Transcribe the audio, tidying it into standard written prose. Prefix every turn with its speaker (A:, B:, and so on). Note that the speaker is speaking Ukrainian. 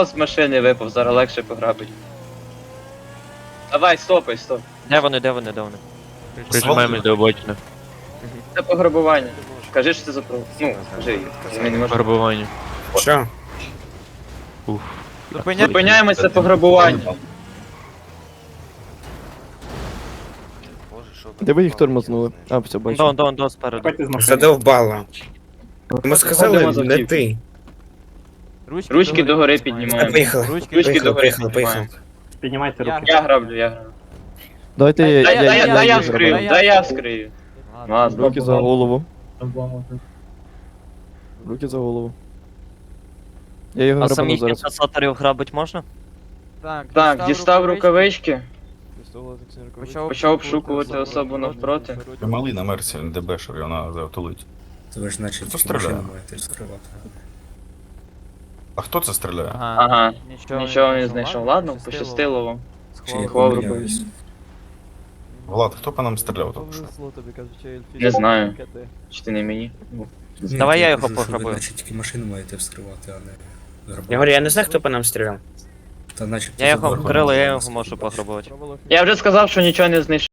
A: З машини випав, зараз легше пограбить. Давай, стопай.
B: Де вони? Прижимаємось до обочини.
A: Це пограбування. Кажи, що це за право. Ну, кажи, ми не можемо.
B: Пограбування.
C: Що?
B: Уф.
A: Зупиняємося, це пограбування.
D: Де ви їх тормознули? А, все, бачу.
B: Дон, спереду.
C: Задовбало. Ми сказали,
A: Ходимо за
C: не
A: тіп.
C: ти.
A: Ручки догори піднімаємо.
C: Поїхали.
A: Ручки догори
C: Поїхали.
A: піднімаємо.
E: Піднімайте руки.
A: Я граблю.
D: Давайте
A: Дай я
D: їх
A: вскрию,
D: зроблю.
A: дай я вскрию. Ладно.
D: Руки за голову. Руки за голову. Я його
B: А
D: грабану
B: самих
D: зараз.
B: інкасаторів грабить можна?
A: Так, дістав рукавички, почав обшукувати особу навпроти.
F: Малий на мерці, ДБшер, і вона завтулить.
G: То ви ж значить
F: Хто
G: тільки
F: стріляє?
G: машину маєте скривати.
F: А хто це стріляє?
A: Ага, нічого не знайшов. Ладно, пощастило вам.
G: Чи я
A: Ховав
G: помиляюсь?
F: Влад, хто по нам стріляв тільки що?
A: Не знаю. Чи ти не мені?
G: Ні,
B: Давай
G: то
B: я його
G: кажу, що
B: пограбую.
G: Ви значить тільки машину маєте вскривати, а не
C: Я
G: грабувати.
C: говорю, я не знаю, хто по нам стріляв.
G: Та начебто
B: Я його
G: заборонено
B: вкрила, я
G: було
B: його
G: скривати.
B: можу пограбувати.
A: Я вже сказав, що нічого не знайшов.